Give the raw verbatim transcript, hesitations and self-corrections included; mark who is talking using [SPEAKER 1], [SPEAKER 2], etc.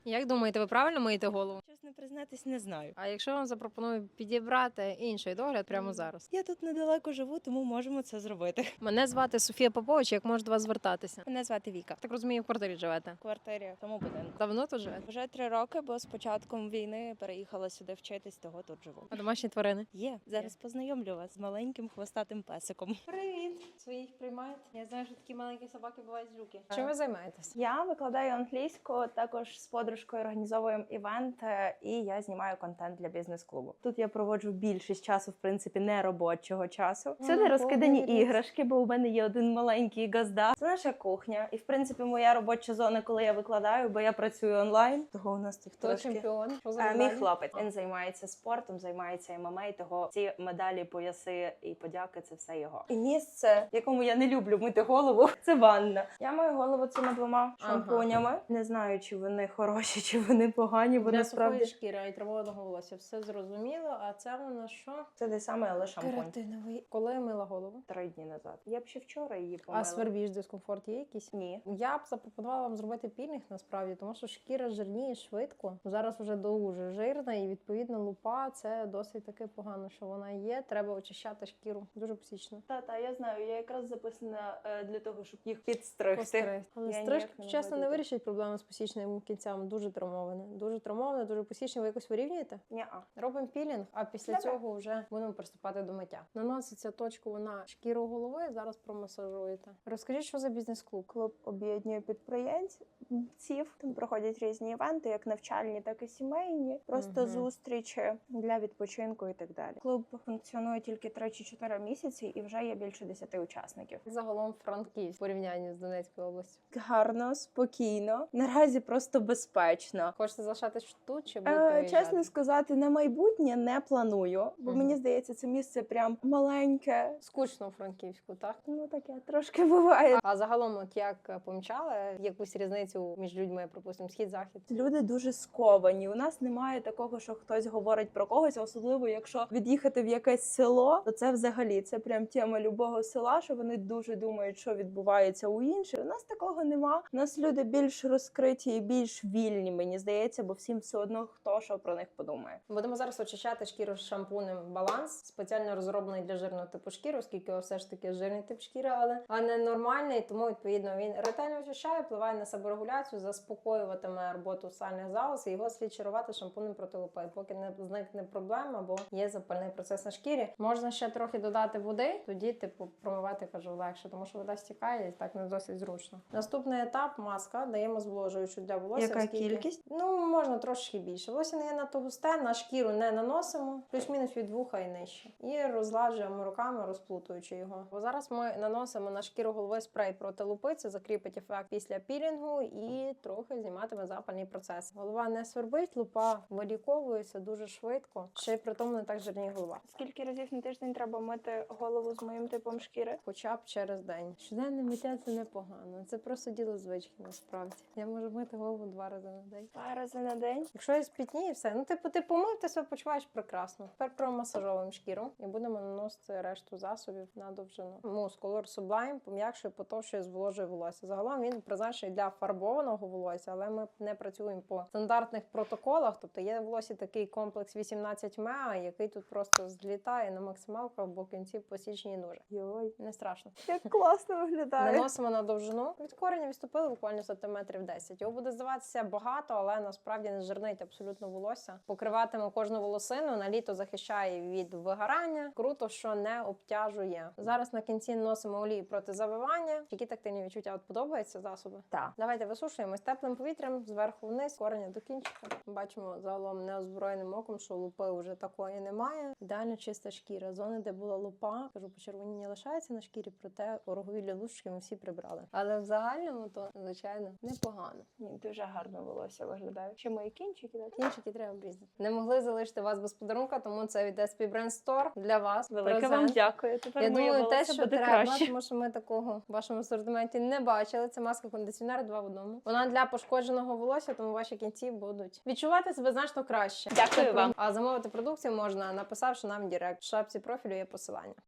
[SPEAKER 1] Як думаєте, ви правильно миєте голову?
[SPEAKER 2] Чесно признатись, не знаю.
[SPEAKER 1] А якщо вам запропоную підібрати інший догляд прямо
[SPEAKER 2] Мгм.
[SPEAKER 1] зараз?
[SPEAKER 2] Я тут недалеко живу, тому можемо це зробити.
[SPEAKER 1] Мене звати Софія Попович, як можу до вас звертатися?
[SPEAKER 2] Мене звати Віка.
[SPEAKER 1] Так розумію, в квартирі живете.
[SPEAKER 2] В квартирі в тому будинку.
[SPEAKER 1] Давно тут живете?
[SPEAKER 2] Вже три роки, бо з початком війни переїхала сюди вчитись, того тут живу.
[SPEAKER 1] А домашні тварини?
[SPEAKER 2] Є. Зараз познайомлю вас з маленьким хвостатим песиком.
[SPEAKER 1] Привіт! Своїх приймають? Я знаю, що такі маленькі собаки бувають жуки. Чим ви займаєтесь?
[SPEAKER 2] Я викладаю англійську, також з подружкою організовуємо івент, е, і я знімаю контент для бізнес-клубу. Тут я проводжу більшість часу, в принципі, не робочого часу. Сюди
[SPEAKER 1] Ага,
[SPEAKER 2] розкидані
[SPEAKER 1] повний
[SPEAKER 2] іграшки, бо у мене є один маленький газда. Це наша кухня, і в принципі моя робоча зона, коли я викладаю, бо я працюю онлайн. Того у нас тут
[SPEAKER 1] Хто
[SPEAKER 2] трошки.
[SPEAKER 1] чемпіон? Що за
[SPEAKER 2] Е, Мій
[SPEAKER 1] медалі?
[SPEAKER 2] хлопець, він займається спортом, займається ем ем а, того ці медалі, пояси і подяки це все його. І місце, в якому я не люблю мити голову, це ванна. Я мию голову цими двома
[SPEAKER 1] Ага.
[SPEAKER 2] шампунями. Не знаю, чи вони хороші, чи вони погані, бо
[SPEAKER 1] Для
[SPEAKER 2] насправді
[SPEAKER 1] сухої шкіри і травоного волосся все зрозуміло, а це у нас що?
[SPEAKER 2] це те саме, але шампунь.
[SPEAKER 1] Кератиновий. Коли мила голову?
[SPEAKER 2] Три дні назад. Я б ще вчора її помила.
[SPEAKER 1] А свербіж, дискомфорт є якийсь?
[SPEAKER 2] Ні.
[SPEAKER 1] Я б запропонувала вам зробити пілінг насправді, тому що шкіра жирніє швидко. Зараз вже дуже жирна, і відповідно лупа це досить таки погано, що вона є. Треба очищати шкіру. Дуже псічно.
[SPEAKER 2] Та-та, я знаю, я якраз записана е, для того, щоб їх підстригти.
[SPEAKER 1] Постриг. Але
[SPEAKER 2] Я
[SPEAKER 1] стрижка,
[SPEAKER 2] ніяк не
[SPEAKER 1] чесно, не
[SPEAKER 2] наводити.
[SPEAKER 1] вирішить проблеми з посічними кінцями. Дуже травмоване. Дуже травмоване, дуже посічне. Ви якось вирівнюєте?
[SPEAKER 2] Ні-а.
[SPEAKER 1] Робимо пілінг, а після
[SPEAKER 2] Добре.
[SPEAKER 1] цього вже будемо приступати до миття. Наноситься точку на шкіру голови, зараз промасажуєте. Розкажіть, що за бізнес-клуб?
[SPEAKER 2] Клуб об'єднує підприємців. Там проходять різні івенти, як навчальні, так і сімейні. Просто
[SPEAKER 1] Мгм.
[SPEAKER 2] зустрічі для відпочинку і так далі. Клуб функціонує тільки три чи чотири місяці і вже є більше десяти учасників.
[SPEAKER 1] Загалом Франківськ в порівнянні з Донецькою областю.
[SPEAKER 2] Гарно, спокійно, наразі просто безпечно.
[SPEAKER 1] Хочете залишатись тут чи будете
[SPEAKER 2] Е,
[SPEAKER 1] виїжджати?
[SPEAKER 2] чесно сказати, на майбутнє не планую, бо
[SPEAKER 1] Мгм.
[SPEAKER 2] мені здається, це місце прям маленьке.
[SPEAKER 1] Скучно у Франківську, так?
[SPEAKER 2] Ну таке трошки буває.
[SPEAKER 1] А загалом, от як помічали якусь різницю між людьми, припустимо, схід-захід?
[SPEAKER 2] Люди дуже сковані. У нас немає такого, що хтось говорить про когось, особливо якщо від'їхати в якесь село, то це взагалі це прям тема любого села, що вони дуже думають, що відбувається у інших. У нас такого нема. У нас люди більш розкриті і більш вільні, мені здається, бо всім все одно хто що про них подумає.
[SPEAKER 1] Будемо зараз очищати шкіру з шампунем «Баланс», спеціально розроблений для жирного типу шкіри, оскільки все ж таки жирний тип шкіри, але а не нормальний, тому відповідно він ретельно очищає, впливає на себорегуляцію, заспокоюватиме роботу сальних залоз, і його слід чарувати шампунем проти лупи, поки не зникне проблема, бо є запальний процес на шкірі. Можна ще трохи додати води, тоді типу промивати, кажу, легше, тому що вода стікає і так не досить зручно. Наступний етап маска, даємо зволожуючу для волосся.
[SPEAKER 2] Яка
[SPEAKER 1] оскільки-
[SPEAKER 2] кількість?
[SPEAKER 1] Ну, можна трошки більше. Волосся не є надто густе, на шкіру не наносимо, плюс-мінус від вуха і нижче. І розладжуємо руками, розплутуючи його. Бо зараз ми наносимо на шкіру голови спрей проти лупи, це закріпить ефект після пілінгу і трохи зніматиме запальний процес. Голова не свербить, лупа виліковується дуже швидко, ще й при тому не так жирніє голова.
[SPEAKER 2] Скільки разів на тиждень треба мити голову з моїм типом шкіри?
[SPEAKER 1] Хоча б через день. Щоденне миття це непогано. Це просто діло звички, насправді. Я можу мити голову два рази на день.
[SPEAKER 2] Два рази на день.
[SPEAKER 1] Якщо я спітніє, все. Ну, типу, ти помив, ти себе почуваєш прекрасно. Тепер промасажовуємо шкіру і будемо наносити решту засобів на довжину. Мус Color Sublime пом'якшує, потовщує, зволожує волосся. Загалом він призначений для фарбованого волосся, але ми не працюємо по стандартних протоколах. Тобто є в волосі такий комплекс вісімнадцять меа, який тут просто злітає на максималках, бо кінці посічені дуже.
[SPEAKER 2] Йой,
[SPEAKER 1] Не страшно.
[SPEAKER 2] як класно виглядає.
[SPEAKER 1] Наносимо на довжину. Від кореня відступили буквально сантиметрів десять. Його буде здаватися багато, але насправді не жирнить абсолютно волосся. Покриватиме кожну волосину, на літо захищає від вигорання. Круто, що не обтяжує. Зараз на кінці наносимо олію проти завивання. Які тактильні відчуття? От подобаються засоби?
[SPEAKER 2] Так.
[SPEAKER 1] Давайте висушуємо з теплим повітрям зверху вниз, кореня до кінчика. Бачимо загалом неозброєним оком, що лупи вже такої немає. Ідеально чиста шкіра. Зони, де була лупа, кажу, почервоніння лишається на шкірі, проте ороговілі лущики ми всі прибрали. Але в загальному то, звичайно, непогано.
[SPEAKER 2] Ні, дуже гарно волосся виглядає. Ще мої кінчики, так?
[SPEAKER 1] Кінчики треба обрізати. Не могли залишити вас без подарунка, тому це від ес пі Brand Store для вас.
[SPEAKER 2] Велике
[SPEAKER 1] Презент.
[SPEAKER 2] вам дякую. Тепер
[SPEAKER 1] Я
[SPEAKER 2] моє
[SPEAKER 1] думаю, те,
[SPEAKER 2] волосся
[SPEAKER 1] що
[SPEAKER 2] буде
[SPEAKER 1] треба,
[SPEAKER 2] краще.
[SPEAKER 1] тому що ми такого в вашому асортименті не бачили. Це маска-кондиціонер два в одному. Вона для пошкодженого волосся, тому ваші кінці будуть відчувати себе значно краще.
[SPEAKER 2] Дякую
[SPEAKER 1] Це
[SPEAKER 2] вам.
[SPEAKER 1] А замовити продукцію можна, написавши нам в директ. В шапці профілю є посилання.